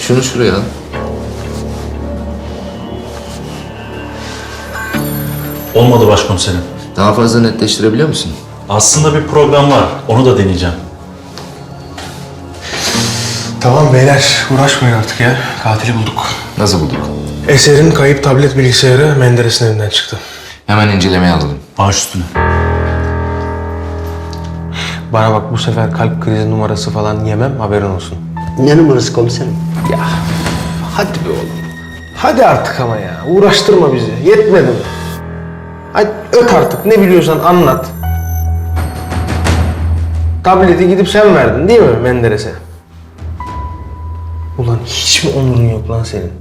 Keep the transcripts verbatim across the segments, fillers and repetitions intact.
Şunu şuraya al. Olmadı başkomiserim. Daha fazla netleştirebiliyor musun? Aslında bir program var. Onu da deneyeceğim. Tamam beyler, uğraşmayın artık ya. Katili bulduk. Nasıl bulduk? Eser'in kayıp tablet bilgisayarı Menderes'in evinden çıktı. Hemen incelemeye alalım. Baş üstüne. Bana bak, bu sefer kalp krizi numarası falan yemem, haberin olsun. Ne numarası komiserim? Hadi be oğlum. Hadi artık ama ya. Uğraştırma bizi. Yetmedi mi? Hadi öt artık. Ne biliyorsan anlat. Tableti gidip sen verdin değil mi Menderes'e? Ulan hiç mi onurun yok lan senin?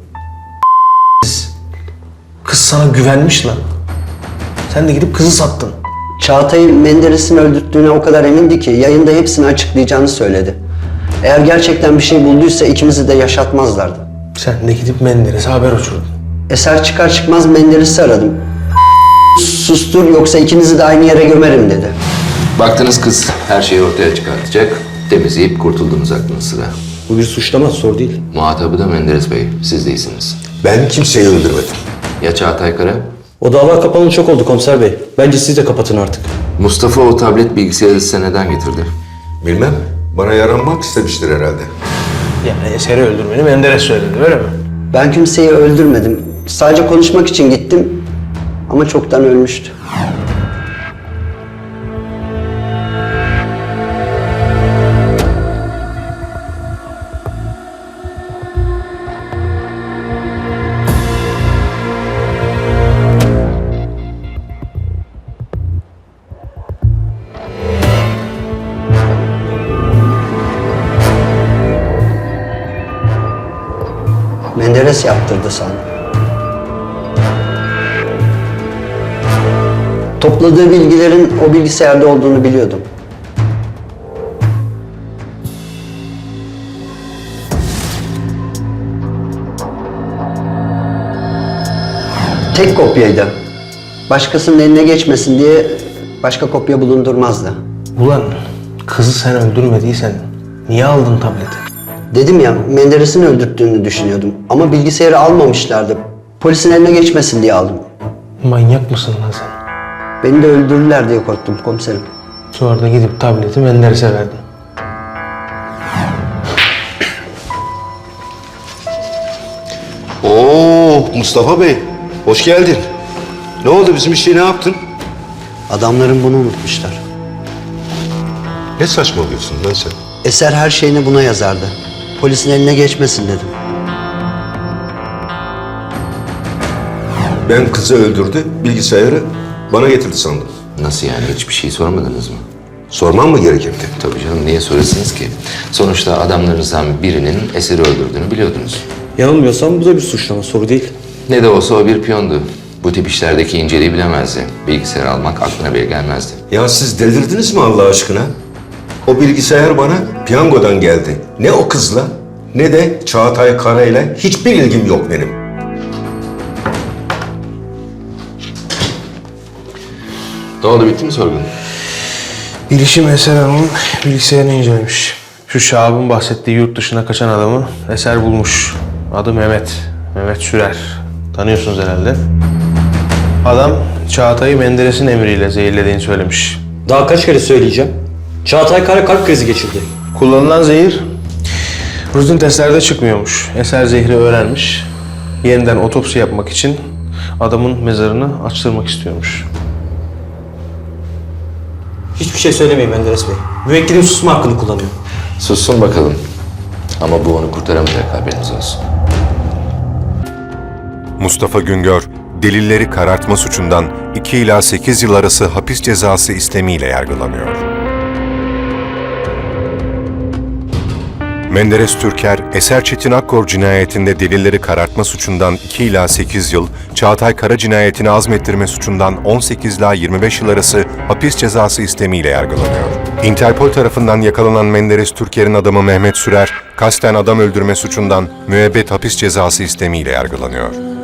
Kız sana güvenmiş lan. Sen de gidip kızı sattın. Çağatay'ı Menderes'in öldürttüğüne o kadar emindi ki yayında hepsini açıklayacağını söyledi. Eğer gerçekten bir şey bulduysa ikimizi de yaşatmazlardı. Sen de gidip Menderes'e haber uçurdun. Eser çıkar çıkmaz Menderes'i aradım. Sustur yoksa ikinizi de aynı yere gömerim dedi. Baktınız kız her şeyi ortaya çıkartacak. Temizleyip kurtuldunuz aklınız sıra. Bu bir suçlama, soru değil. Muhatabı da Menderes Bey. Siz değilsiniz. Ben kimseyi öldürmedim. Ya Çağatay Kara? O dava kapalı çok oldu komiser bey. Bence siz de kapatın artık. Mustafa o tablet bilgisayarı size neden getirdi? Bilmem. Bana yaranmak istemiştir herhalde. Yani Eser'i öldürmeni Menderes söyledi, öyle mi? Ben kimseyi öldürmedim. Sadece konuşmak için gittim ama çoktan ölmüştü. Menderes yaptırdı sandım. Topladığı bilgilerin o bilgisayarda olduğunu biliyordum. Tek kopyaydı. Başkasının eline geçmesin diye başka kopya bulundurmazdı. Ulan kızı sen öldürmediysen niye aldın tableti? Dedim ya, Menderes'in öldürttüğünü düşünüyordum. Ama bilgisayarı almamışlardı. Polisin eline geçmesin diye aldım. Manyak mısın lan sen? Beni de öldürürler diye korktum komiserim. Sonra da gidip tableti Menderes'e verdin. Oo Mustafa Bey, hoş geldin. Ne oldu, bizim işi ne yaptın? Adamların bunu unutmuşlar. Ne saçmalıyorsun lan sen? Eser her şeyini buna yazardı. Polisin eline geçmesin dedim. Ben kızı öldürdü, bilgisayarı bana getirdi sandım. Nasıl yani? Hiçbir şey sormadınız mı? Sormam mı gerekirdi? Tabii canım, niye sorasınız ki? Sonuçta adamlarınızdan birinin Eser'i öldürdüğünü biliyordunuz. Yanılmıyorsam bu da bir suçlama, soru değil. Ne de olsa o bir piyondu. Bu tip işlerdeki inceliği bilemezdi. Bilgisayar almak aklına bile gelmezdi. Ya siz delirdiniz mi Allah aşkına? O bilgisayar bana piyangodan geldi. Ne o kızla ne de Çağatay Kara'yla hiçbir ilgim yok benim. Ne oldu, bitti mi sorgun? Bilişim Eser Hanım'ın bilgisayarını incelemiş. Şu Şahab'ın bahsettiği yurt dışına kaçan adamı Eser bulmuş. Adı Mehmet. Mehmet Sürer. Tanıyorsunuz herhalde. Adam Çağatay'ı Menderes'in emriyle zehirlediğini söylemiş. Daha kaç kere söyleyeceğim? Çağatay Kara kalp krizi geçirdi. Kullanılan zehir rutin testlerde çıkmıyormuş. Eser zehri öğrenmiş. Yeniden otopsi yapmak için adamın mezarını açtırmak istiyormuş. Hiçbir şey söylemeyin Menderes Bey. Müvekkilim susma hakkını kullanıyor. Sussun bakalım. Ama bu onu kurtaramayacak, haberiniz olsun. Mustafa Güngör, delilleri karartma suçundan iki ila sekiz yıl arası hapis cezası istemiyle yargılanıyor. Menderes Türker, Eser Çetin Akkor cinayetinde delilleri karartma suçundan iki ila sekiz yıl, Çağatay Kara cinayetini azmettirme suçundan on sekiz ila yirmi beş yıl arası hapis cezası istemiyle yargılanıyor. Interpol tarafından yakalanan Menderes Türker'in adamı Mehmet Sürer, kasten adam öldürme suçundan müebbet hapis cezası istemiyle yargılanıyor.